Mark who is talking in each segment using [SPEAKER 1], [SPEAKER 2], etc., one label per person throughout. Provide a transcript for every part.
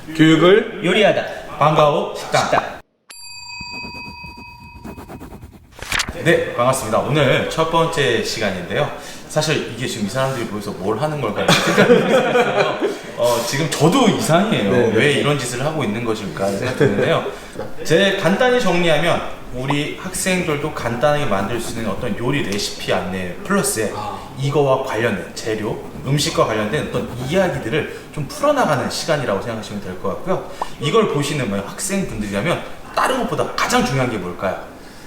[SPEAKER 1] 교육을
[SPEAKER 2] 요리하다.
[SPEAKER 3] 반가워 식당. 네, 반갑습니다. 오늘 첫 번째 시간인데요. 사실 이게 지금 이 사람들이 모여서 뭘 하는 걸까 이렇게 생각을 했어요. 지금 저도 이상해요.
[SPEAKER 1] 네.
[SPEAKER 3] 왜 이런 짓을 하고 있는 것일까 생각했는데요. 제 간단히 정리하면 우리 학생들도 간단하게 만들 수 있는 어떤 요리 레시피 안내 플러스에 이거와 관련된 재료, 음식과 관련된 어떤 이야기들을 좀 풀어나가는 시간이라고 생각하시면 될 것 같고요. 이걸 보시는 학생분들이라면 다른 것보다 가장 중요한 게 뭘까요?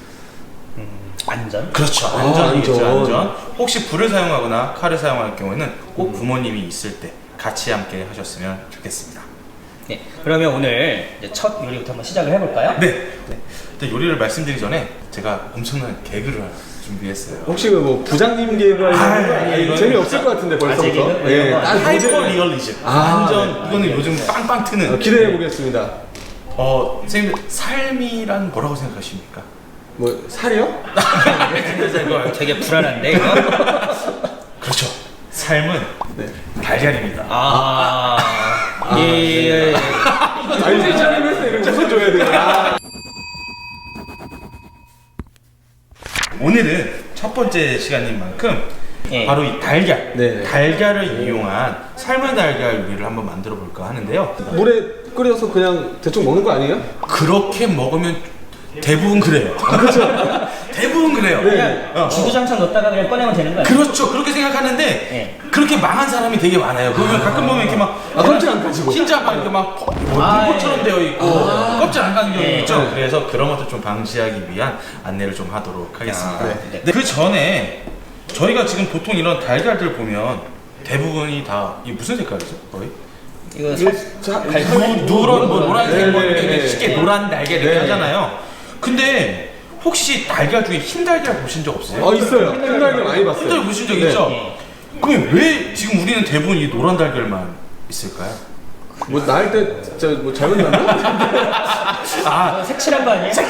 [SPEAKER 2] 안전?
[SPEAKER 3] 그렇죠. 안전이겠죠.
[SPEAKER 1] 안전.
[SPEAKER 3] 안전. 혹시 불을 사용하거나 칼을 사용할 경우에는 꼭 부모님이 있을 때 같이 함께 하셨으면 좋겠습니다.
[SPEAKER 2] 네. 그러면 오늘 이제 첫 요리부터 한번 시작을 해볼까요?
[SPEAKER 3] 네. 일단 요리를 말씀드리기 전에 제가 엄청난 개그를 하나 준비했어요.
[SPEAKER 1] 혹시 뭐 부장님 개그
[SPEAKER 3] 이거는
[SPEAKER 1] 재미없을 것 같은데 벌써부터.
[SPEAKER 2] 개그?
[SPEAKER 1] 예,
[SPEAKER 2] 이런 거.
[SPEAKER 1] 딱
[SPEAKER 3] 하이퍼 리얼리즘. 완전 이거는
[SPEAKER 1] 네.
[SPEAKER 3] 요즘 빵빵 트는.
[SPEAKER 1] 기대해 보겠습니다.
[SPEAKER 3] 선생님들 삶이란 뭐라고 생각하십니까?
[SPEAKER 1] 뭐 살이요?
[SPEAKER 2] 되게 불안한데 이거?
[SPEAKER 3] 그렇죠. 삶은
[SPEAKER 1] 네.
[SPEAKER 3] 달걀입니다.
[SPEAKER 2] 예.
[SPEAKER 1] 아니 부장님 했을 때 이렇게 웃어줘야 돼요.
[SPEAKER 3] 오늘은 첫 번째 시간인 만큼
[SPEAKER 2] 예.
[SPEAKER 3] 바로 이 달걀,
[SPEAKER 1] 네.
[SPEAKER 3] 달걀을 이용한 삶은 달걀 요리를 한번 만들어 볼까 하는데요.
[SPEAKER 1] 물에 끓여서 그냥 대충 먹는 거 아니에요?
[SPEAKER 3] 그렇게 먹으면 대부분 그래요.
[SPEAKER 1] 그렇죠.
[SPEAKER 3] 대부분 그래요.
[SPEAKER 1] 네.
[SPEAKER 2] 주구장창 넣었다가 그냥 꺼내면 되는 거야.
[SPEAKER 3] 그렇죠. 그렇게 생각하는데
[SPEAKER 2] 예.
[SPEAKER 3] 그렇게 망한 사람이 되게 많아요. 그러면 가끔 보면 이렇게 막
[SPEAKER 1] 껍질 안 까지고.
[SPEAKER 3] 흰자 막 이렇게 막 불꽃처럼 되어 있고 껍질 안 까는 경우
[SPEAKER 2] 예.
[SPEAKER 3] 있죠.
[SPEAKER 1] 네.
[SPEAKER 3] 그래서 그런 것들 좀 방지하기 위한 안내를 좀 하도록 하겠습니다.
[SPEAKER 2] 네.
[SPEAKER 3] 그 전에 저희가 지금 보통 이런 달걀들 보면 대부분이 다 이게 무슨 색깔이죠? 거의?
[SPEAKER 2] 이거
[SPEAKER 3] 누런 뭐 노란색 뭐
[SPEAKER 1] 네,
[SPEAKER 3] 이렇게
[SPEAKER 1] 네.
[SPEAKER 3] 쉽게 노란 달걀 이렇게
[SPEAKER 1] 네.
[SPEAKER 3] 하잖아요. 근데 혹시 달걀 중에 흰 달걀 보신 적 없어요?
[SPEAKER 1] 있어요. 흰달걀 많이
[SPEAKER 3] 흰
[SPEAKER 1] 봤어요.
[SPEAKER 3] 달걀 보신 적
[SPEAKER 1] 네.
[SPEAKER 3] 있죠?
[SPEAKER 2] 예.
[SPEAKER 3] 그럼 왜 지금 우리는 대부분 이 노란 달걀만 있을까요?
[SPEAKER 1] 뭐 나을 때 진짜 뭐 잘못 났나?
[SPEAKER 2] 색칠한 거 아니에요?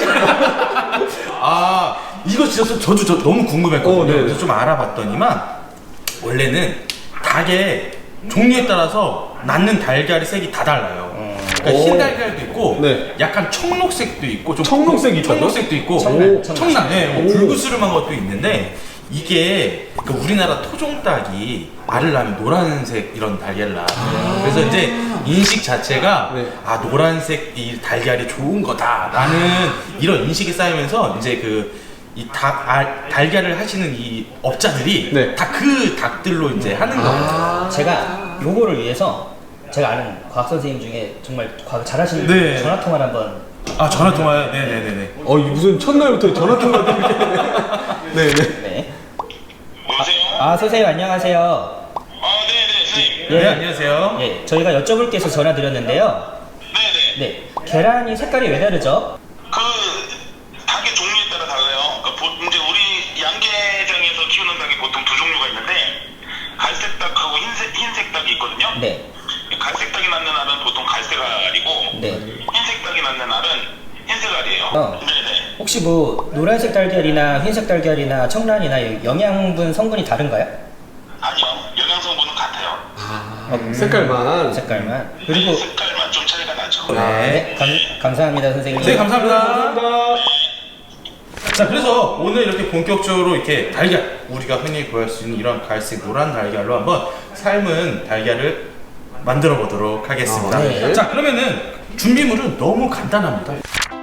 [SPEAKER 3] 이거 진짜 저도 너무 궁금했거든요.
[SPEAKER 1] 네.
[SPEAKER 3] 그래서 좀 알아봤더니만 원래는 닭의 종류에 따라서 낳는 달걀의 색이 다 달라요. 그러니까 흰 달걀도 있고
[SPEAKER 1] 네.
[SPEAKER 3] 약간 청록색도 있고 좀
[SPEAKER 1] 청록색이 있다고요?
[SPEAKER 3] 청록색도 있고 청란, 네, 불구스름한 것도 있는데 이게 그러니까 우리나라 토종닭이 알을 낳으면 노란색 이런 달걀을 낳아요. 그래서 이제 인식 자체가
[SPEAKER 1] 네.
[SPEAKER 3] 노란색 이 달걀이 좋은 거다라는 이런 인식이 쌓이면서 이제 이 달걀을 하시는 이 업자들이
[SPEAKER 1] 네.
[SPEAKER 3] 다 그 닭들로 이제 하는 거예요.
[SPEAKER 2] 제가 요거를 위해서 제가 아는 과학 선생님 중에 정말 과학 잘하시는
[SPEAKER 3] 네.
[SPEAKER 2] 전화 통화를 한번.
[SPEAKER 3] 전화 통화요? 네네네네.
[SPEAKER 1] 이 무슨 첫날부터 전화 통화도 이렇게. 네네.
[SPEAKER 2] 네.
[SPEAKER 4] 여보세요?
[SPEAKER 2] 선생님 안녕하세요.
[SPEAKER 4] 네네, 선생님.
[SPEAKER 3] 네, 안녕하세요.
[SPEAKER 2] 예, 저희가 여쭤볼 게 있어서 전화 드렸는데요.
[SPEAKER 4] 네네.
[SPEAKER 2] 네, 계란이 색깔이 왜 다르죠?
[SPEAKER 4] 닭의 종류에 따라 달라요. 이제 우리 양계장에서 키우는 닭이 보통 두 종류가 있는데, 갈색 닭하고 흰색 닭이 있거든요.
[SPEAKER 2] 네,
[SPEAKER 4] 갈색 닭이 낳는 알은 보통 갈색 알이고,
[SPEAKER 2] 네.
[SPEAKER 4] 흰색 닭이 낳는 알은 흰색 알이에요. 네네.
[SPEAKER 2] 혹시 뭐 노란색 달걀이나 흰색 달걀이나 청란이나 영양분 성분이 다른가요?
[SPEAKER 4] 아니요, 영양 성분은 같아요.
[SPEAKER 1] 색깔만.
[SPEAKER 2] 색깔만. 그리고
[SPEAKER 4] 색깔만 좀 차이가 나죠.
[SPEAKER 2] 네, 감사합니다 선생님.
[SPEAKER 3] 네, 감사합니다. 자, 그래서 오늘 이렇게 본격적으로 이렇게 달걀, 우리가 흔히 구할 수 있는 이런 갈색 노란 달걀로 한번 삶은 달걀을 만들어 보도록 하겠습니다.
[SPEAKER 2] 네.
[SPEAKER 3] 자, 그러면은 준비물은 너무 간단합니다.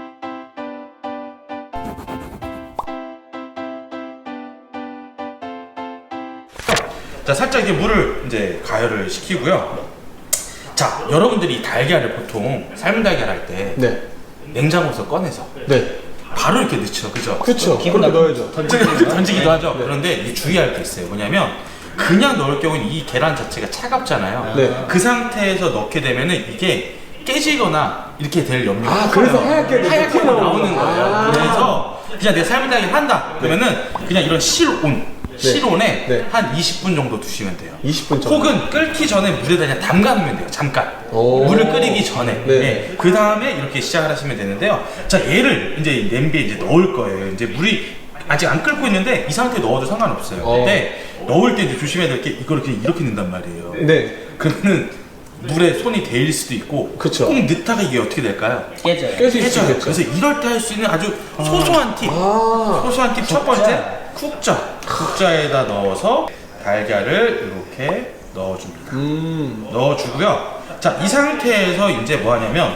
[SPEAKER 3] 자, 살짝 이제 물을 이제 가열을 시키고요. 자, 여러분들이 이 달걀을 보통 삶은 달걀 할 때
[SPEAKER 1] 네.
[SPEAKER 3] 냉장고에서 꺼내서
[SPEAKER 1] 네.
[SPEAKER 3] 바로 이렇게 넣죠, 그죠?
[SPEAKER 1] 그렇죠.
[SPEAKER 2] 기분
[SPEAKER 1] 그렇게
[SPEAKER 2] 나쁘-
[SPEAKER 1] 넣어야죠.
[SPEAKER 3] 던지기도 하죠. 그런데 이 주의할 게 있어요. 뭐냐면 그냥 넣을 경우는 이 계란 자체가 차갑잖아요.
[SPEAKER 1] 네.
[SPEAKER 3] 그 상태에서 넣게 되면은 이게 깨지거나 이렇게 될 염려가
[SPEAKER 1] 그래서
[SPEAKER 3] 커요.
[SPEAKER 1] 하얗게
[SPEAKER 3] 하얗게 나오는 거예요.
[SPEAKER 1] 아.
[SPEAKER 3] 그래서 그냥 내가 삶은 달걀 한다 그러면은 그냥 이런 실온에
[SPEAKER 1] 네.
[SPEAKER 3] 한 20분 정도 두시면 돼요.
[SPEAKER 1] 20분 정도.
[SPEAKER 3] 혹은 끓기 전에 물에다 그냥 담가 놓으면 돼요. 잠깐.
[SPEAKER 1] 오.
[SPEAKER 3] 물을 끓이기 전에.
[SPEAKER 1] 네.
[SPEAKER 3] 그 다음에 이렇게 시작을 하시면 되는데요. 자, 얘를 이제 냄비에 이제 넣을 거예요. 이제 물이 아직 안 끓고 있는데 이 상태에 넣어도 상관없어요. 근데 넣을 때 이제 조심해야 될 게 이걸 이렇게 넣는단 말이에요.
[SPEAKER 1] 네.
[SPEAKER 3] 그러면은 물에 손이 데일 수도 있고
[SPEAKER 1] 그쵸.
[SPEAKER 3] 꼭 넣다가 이게 어떻게 될까요?
[SPEAKER 2] 깨져요.
[SPEAKER 1] 깰 수
[SPEAKER 3] 깨져요.
[SPEAKER 1] 있겠죠.
[SPEAKER 3] 그래서 이럴 때 할 수 있는 아주 소소한 팁.
[SPEAKER 1] 아,
[SPEAKER 3] 소소한 팁 첫 번째 국자. 국자에다 넣어서 달걀을 이렇게 넣어줍니다. 넣어주고요. 자, 이 상태에서 이제 뭐 하냐면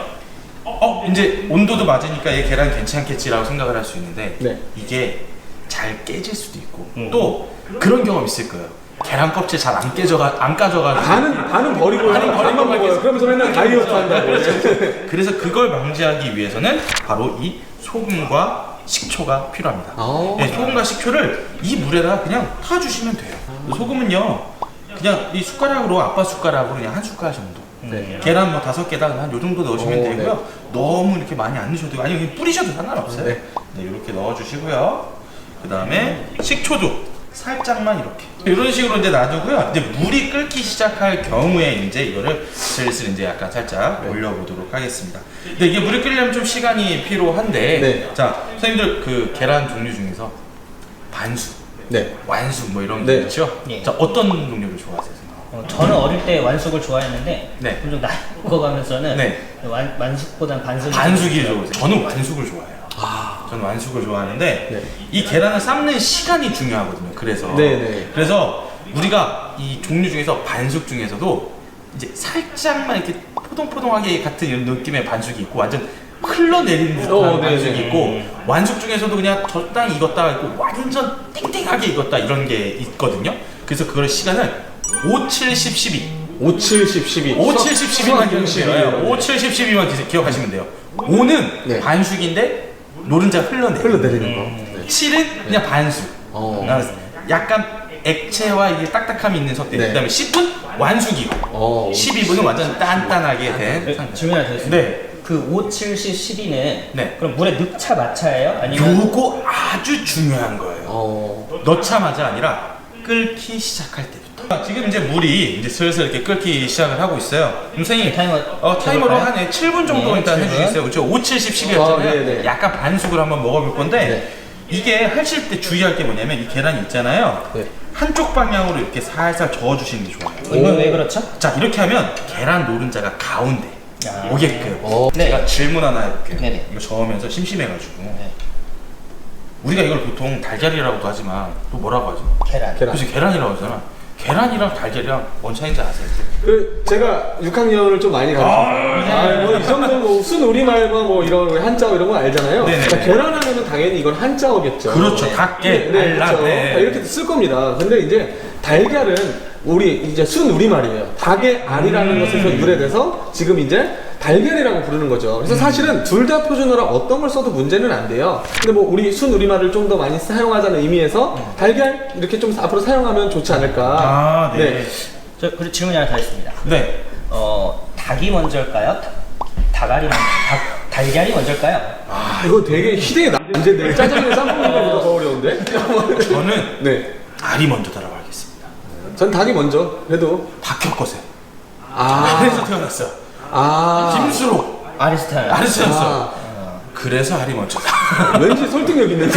[SPEAKER 3] 이제 온도도 맞으니까 얘 계란 괜찮겠지라고 생각을 할 수 있는데
[SPEAKER 1] 네.
[SPEAKER 3] 이게 잘 깨질 수도 있고 또 그런 경험 있을 거예요. 계란 껍질 잘 안 까져가지고
[SPEAKER 1] 반은 버리고 반만 먹어요. 그러면서 맨날 다이어트 한다고.
[SPEAKER 3] 그래서 그걸 방지하기 위해서는 바로 이 소금과 식초가 필요합니다. 네, 소금과 식초를 이 물에다가 그냥 타주시면 돼요. 소금은요, 그냥 이 숟가락으로 아빠 숟가락으로 그냥 한 숟갈 정도.
[SPEAKER 1] 네.
[SPEAKER 3] 계란 뭐 5개당 한 요 정도 넣으시면
[SPEAKER 1] 오,
[SPEAKER 3] 되고요.
[SPEAKER 1] 네.
[SPEAKER 3] 너무 이렇게 많이 안 넣으셔도 되고, 아니면 그냥 뿌리셔도 상관없어요.
[SPEAKER 1] 네.
[SPEAKER 3] 네, 이렇게 넣어주시고요. 그 다음에 식초도 살짝만 이렇게. 이런 식으로 이제 놔두고요. 이제 물이 끓기 시작할 경우에 이제 이거를 슬슬 이제 약간 살짝 올려보도록 하겠습니다. 근데 이게 물이 끓려면 좀 시간이 필요한데,
[SPEAKER 1] 네.
[SPEAKER 3] 자, 선생님들 그 계란 종류 중에서 반숙,
[SPEAKER 1] 네.
[SPEAKER 3] 완숙 뭐 이런
[SPEAKER 1] 네.
[SPEAKER 3] 게 있죠?
[SPEAKER 2] 예.
[SPEAKER 3] 자, 어떤 종류를 좋아하세요?
[SPEAKER 2] 저는 어릴 때 완숙을 좋아했는데
[SPEAKER 3] 네.
[SPEAKER 2] 좀 나이 먹어가면서는
[SPEAKER 3] 네.
[SPEAKER 2] 완숙보단 반숙이
[SPEAKER 3] 반숙이 좋으세요? 저는 완숙을 좋아해요. 저는 완숙을 좋아하는데
[SPEAKER 1] 네.
[SPEAKER 3] 이 계란을 삶는 시간이 중요하거든요. 그래서
[SPEAKER 1] 네.
[SPEAKER 3] 그래서 우리가 이 종류 중에서 반숙 중에서도 이제 살짝만 이렇게 포동포동하게 같은 이런 느낌의 반숙이 있고 완전 흘러내리는 듯한
[SPEAKER 1] 네,
[SPEAKER 3] 반숙이
[SPEAKER 1] 네.
[SPEAKER 3] 있고 완숙 중에서도 그냥 적당히 익었다가 있고 완전 땡땡하게 익었다 이런 게 있거든요. 그래서 그걸 시간을 5, 7, 10, 12
[SPEAKER 1] 5, 7, 10, 12.
[SPEAKER 3] 5, 7, 10, 12만 기억하시면 돼요. 5, 7, 10, 12만 기억하시면 돼요. 5는
[SPEAKER 1] 네.
[SPEAKER 3] 반숙인데 노른자가
[SPEAKER 1] 흘러내리는 거. 네.
[SPEAKER 3] 7은 그냥 반숙. 약간 액체와 이게 딱딱함이 있는 상태.
[SPEAKER 1] 네.
[SPEAKER 3] 그다음에 10은 완숙이고 12분은 완전 단단하게 된 상태.
[SPEAKER 2] 질문 하나 드렸습니다.
[SPEAKER 3] 네.
[SPEAKER 2] 그 5, 7, 10, 12는
[SPEAKER 3] 네.
[SPEAKER 2] 그럼 물에 넣자 마차예요? 아니면
[SPEAKER 3] 요거 아주 중요한 거예요. 넣자마자 아니라 끓기 시작할 때부터. 지금 이제 물이 이제 슬슬 이렇게 끓기 시작을 하고 있어요. 선생님 타이머로 한 7분 정도
[SPEAKER 2] 네,
[SPEAKER 3] 일단
[SPEAKER 2] 7분.
[SPEAKER 3] 해주시겠어요? 그렇죠? 5, 7, 10, 12였잖아요.
[SPEAKER 1] 네네.
[SPEAKER 3] 약간 반숙을 한번 먹어볼 건데
[SPEAKER 1] 네.
[SPEAKER 3] 이게 하실 때 주의할 게 뭐냐면 이 계란이 있잖아요.
[SPEAKER 1] 네.
[SPEAKER 3] 한쪽 방향으로 이렇게 살살 저어주시는 게 좋아요.
[SPEAKER 2] 이건 왜 그렇죠?
[SPEAKER 3] 자, 이렇게 하면 계란 노른자가 가운데 오게끔.
[SPEAKER 2] 네.
[SPEAKER 3] 제가 질문 하나 해볼게요.
[SPEAKER 2] 네네.
[SPEAKER 3] 이거 저으면서 심심해가지고
[SPEAKER 2] 네.
[SPEAKER 3] 우리가 이걸 보통 달걀이라고도 하지만 또 뭐라고 하죠?
[SPEAKER 2] 계란.
[SPEAKER 3] 그래서 계란이라고 하잖아. 계란이랑 달걀이랑 뭔 차이인지 아세요?
[SPEAKER 1] 그 제가 6학년을 좀 많이 가르쳤어요. 뭐이 정도 뭐 순우리말과 뭐 이런 한자어 이런 거 알잖아요.
[SPEAKER 3] 네네.
[SPEAKER 1] 그러니까 계란하면은 당연히 이건 한자어겠죠.
[SPEAKER 3] 그렇죠.
[SPEAKER 2] 네.
[SPEAKER 3] 닭게,
[SPEAKER 1] 네,
[SPEAKER 3] 알라,
[SPEAKER 1] 그렇죠.
[SPEAKER 3] 네.
[SPEAKER 1] 이렇게 쓸 겁니다. 근데 이제 달걀은 우리 이제 순우리말이에요. 닭의 알이라는 것에서 유래돼서 지금 이제 달걀이라고 부르는 거죠. 그래서 사실은 둘 다 표준어라 어떤 걸 써도 문제는 안 돼요. 근데 뭐 우리 순우리말을 좀 더 많이 사용하자는 의미에서 달걀 이렇게 좀 앞으로 사용하면 좋지 않을까.
[SPEAKER 3] 아, 네.
[SPEAKER 2] 저 그리고 질문이 하나 더 있습니다.
[SPEAKER 3] 네.
[SPEAKER 2] 닭이 먼저일까요? 달걀이 먼저일까요?
[SPEAKER 1] 이거 되게 희대의 난제인데 짜장면 짬뽕보다 더 어려운데?
[SPEAKER 3] 저는
[SPEAKER 1] 네.
[SPEAKER 3] 알이 먼저다라고 하겠습니다.
[SPEAKER 1] 전 닭이 먼저. 그래도
[SPEAKER 3] 박혁거세.
[SPEAKER 1] 아.
[SPEAKER 3] 그래서 태어났어요. 김수로.
[SPEAKER 2] 아리스타일.
[SPEAKER 3] 알았어요. 그래서 알이 먼저다.
[SPEAKER 1] 왠지 설득력 있는데.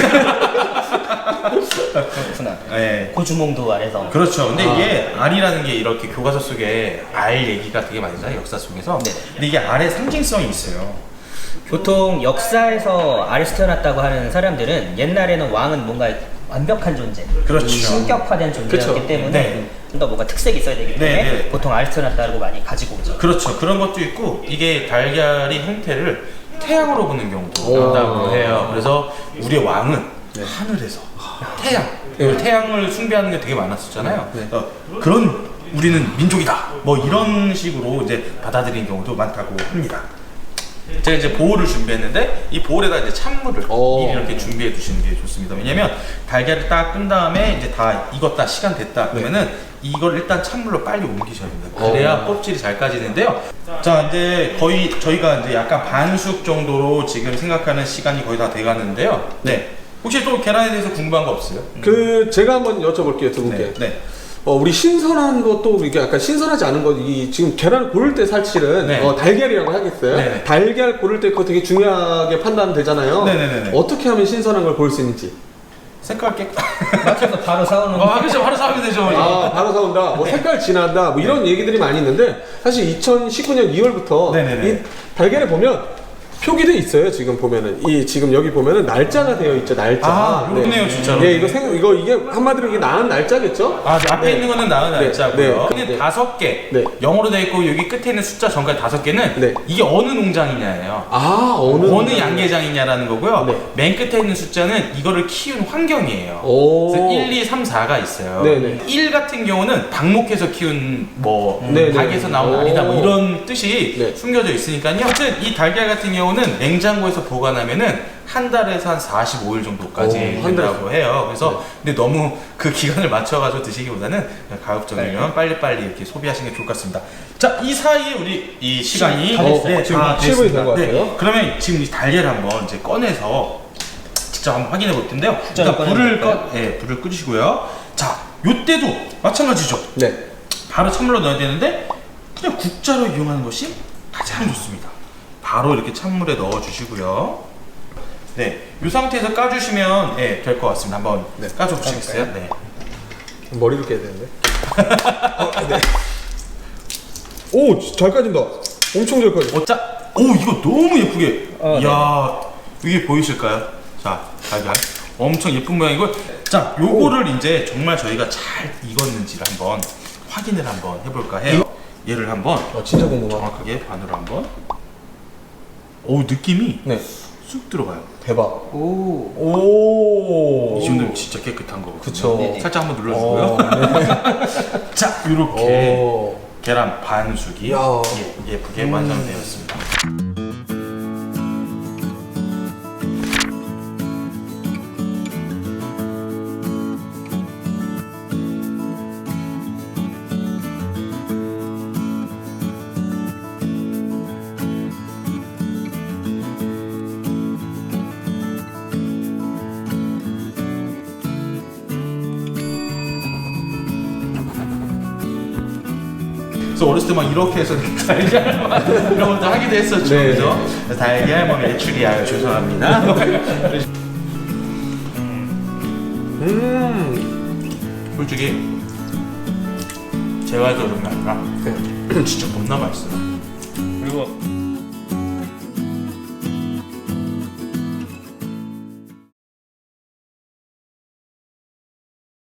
[SPEAKER 2] 그렇구나.
[SPEAKER 3] 네.
[SPEAKER 2] 고주몽도 아래서.
[SPEAKER 3] 그렇죠. 근데 이게 알이라는 게 이렇게 교과서 속에 알 얘기가 되게 많이 나요. 역사 속에서.
[SPEAKER 2] 네.
[SPEAKER 3] 근데 이게 알의 상징성이 있어요.
[SPEAKER 2] 보통 역사에서 아리스 태어났다고 하는 사람들은 옛날에는 왕은 뭔가 완벽한 존재,
[SPEAKER 3] 그렇죠.
[SPEAKER 2] 신격화된 존재였기
[SPEAKER 1] 그렇죠.
[SPEAKER 2] 때문에
[SPEAKER 3] 네.
[SPEAKER 2] 좀 더 뭔가 특색이 있어야 되기 때문에
[SPEAKER 3] 네.
[SPEAKER 2] 보통 아리스 태어났다고 많이 가지고 오죠.
[SPEAKER 3] 그렇죠. 그런 것도 있고 이게 달걀이 형태를 태양으로 보는 경우도 있다고 해요. 그래서 우리의 왕은 하늘에서 태양, 태양을 숭배하는 게 되게 많았었잖아요. 그런 우리는 민족이다. 뭐 이런 식으로 이제 받아들이는 경우도 많다고 합니다. 제가 이제 보울을 준비했는데 이 보울에다 이제 찬물을 미리 이렇게 준비해 두시는 게 좋습니다. 왜냐면 달걀을 딱 끈 다음에 이제 다 익었다, 시간 됐다 그러면은 이걸 일단 찬물로 빨리 옮기셔야 됩니다. 그래야 껍질이 잘 까지는데요. 자, 이제 거의 저희가 이제 약간 반숙 정도로 지금 생각하는 시간이 거의 다 돼가는데요. 네. 혹시 또 계란에 대해서 궁금한 거 없어요?
[SPEAKER 1] 그 제가 한번 여쭤볼게요 두 분께.
[SPEAKER 3] 네.
[SPEAKER 1] 우리 신선한 것도 이게 약간 신선하지 않은 거, 이 지금 계란 고를 때 사실은
[SPEAKER 3] 네.
[SPEAKER 1] 달걀이라고 하겠어요.
[SPEAKER 3] 네.
[SPEAKER 1] 달걀 고를 때 그거 되게 중요하게 판단되잖아요.
[SPEAKER 3] 네네네.
[SPEAKER 1] 어떻게 하면 신선한 걸 고를 수 있는지.
[SPEAKER 3] 색깔 깨끗.
[SPEAKER 2] 맞춰서 바로 사오는
[SPEAKER 3] 그렇죠. 바로 사면 되죠.
[SPEAKER 1] 아, 바로 사온다. 뭐 색깔 진한다. 뭐 이런 얘기들이 많이 있는데 사실 2019년 2월부터
[SPEAKER 3] 네네네.
[SPEAKER 1] 이 달걀에 보면 표기도 있어요. 지금 보면은 이 지금 여기 보면은 날짜가 되어 있죠. 날짜.
[SPEAKER 3] 아, 그렇네요, 진짜로.
[SPEAKER 1] 네, 이게 한마디로 이게 나은 날짜겠죠?
[SPEAKER 3] 네, 앞에 있는 거는 나은
[SPEAKER 1] 네,
[SPEAKER 3] 날짜고요.
[SPEAKER 1] 네,
[SPEAKER 3] 근데
[SPEAKER 1] 네.
[SPEAKER 3] 5개
[SPEAKER 1] 네.
[SPEAKER 3] 영어로 돼 있고 여기 끝에 있는 숫자 전까지 5개는
[SPEAKER 1] 네.
[SPEAKER 3] 이게 어느 농장이냐예요.
[SPEAKER 1] 아, 어느
[SPEAKER 3] 양계장이냐라는 거고요.
[SPEAKER 1] 네.
[SPEAKER 3] 맨 끝에 있는 숫자는 이거를 키운 환경이에요.
[SPEAKER 1] 오.
[SPEAKER 3] 그래서 1, 2, 3, 4가 있어요.
[SPEAKER 1] 네네.
[SPEAKER 3] 1 같은 경우는 방목해서 키운 뭐
[SPEAKER 1] 네네.
[SPEAKER 3] 닭에서 나온
[SPEAKER 1] 오.
[SPEAKER 3] 알이다 뭐 이런 뜻이
[SPEAKER 1] 네.
[SPEAKER 3] 숨겨져 있으니까요. 어쨌든 이 달걀 같은 경우는 냉장고에서 보관하면은 한 달에서 한 45일 정도까지
[SPEAKER 1] 오, 한
[SPEAKER 3] 된다고 해요. 그래서 근데 너무 그 기간을 맞춰가지고 드시기보다는 그냥 가급적이면 빨리빨리 이렇게 소비하시는 게 좋을 것 같습니다. 자, 이 사이에 우리 이 시간이
[SPEAKER 2] 다 됐어요.
[SPEAKER 3] 지금 다
[SPEAKER 1] 7분이
[SPEAKER 3] 됐습니다.
[SPEAKER 1] 된 것 같아요.
[SPEAKER 3] 그러면 지금 이 달걀 한번 이제 꺼내서 직접 한번 확인해 볼 텐데요.
[SPEAKER 2] 국자를
[SPEAKER 3] 일단 불을
[SPEAKER 2] 꺼내볼까요?
[SPEAKER 3] 불을 끄시고요. 자, 요때도 마찬가지죠.
[SPEAKER 1] 네.
[SPEAKER 3] 바로 찬물로 넣어야 되는데 그냥 국자로 이용하는 것이 가장 좋습니다. 바로 이렇게 찬물에 넣어 주시고요. 네, 이 상태에서 까주시면 될 것 같습니다. 한번
[SPEAKER 1] 네.
[SPEAKER 3] 까줘 보시겠어요? 네.
[SPEAKER 1] 머리를 깨야 되는데. 네. 오, 잘 까진다. 엄청 잘 까져.
[SPEAKER 3] 자, 이거 너무 예쁘게.
[SPEAKER 2] 네.
[SPEAKER 3] 이야, 이게 보이실까요? 자, 달걀. 엄청 예쁜 모양이고. 자, 요거를 이제 정말 저희가 잘 익었는지를 한번 확인을 한번 해볼까 해요. 얘를 한번
[SPEAKER 1] 진짜 궁금하다.
[SPEAKER 3] 정확하게 반으로 한번. 느낌이
[SPEAKER 1] 네.
[SPEAKER 3] 쑥 들어가요.
[SPEAKER 1] 대박. 오.
[SPEAKER 3] 이 정도면 진짜 깨끗한 거거든요.
[SPEAKER 1] 그쵸.
[SPEAKER 2] 네네.
[SPEAKER 3] 살짝 한번 눌러주고요. 자, 이렇게
[SPEAKER 1] 오.
[SPEAKER 3] 계란 반숙이
[SPEAKER 1] 야.
[SPEAKER 3] 예쁘게 완성되었습니다. 그래서 어렸을 때 막 이렇게 해서 달걀 이런 것도 하기도 했었죠.
[SPEAKER 1] 네.
[SPEAKER 3] 그죠? 달걀 뭐 메추리알 죄송합니다. 솔직히 제가 해서 그런 게 아니라 진짜 겁나 맛있어요.
[SPEAKER 2] 그리고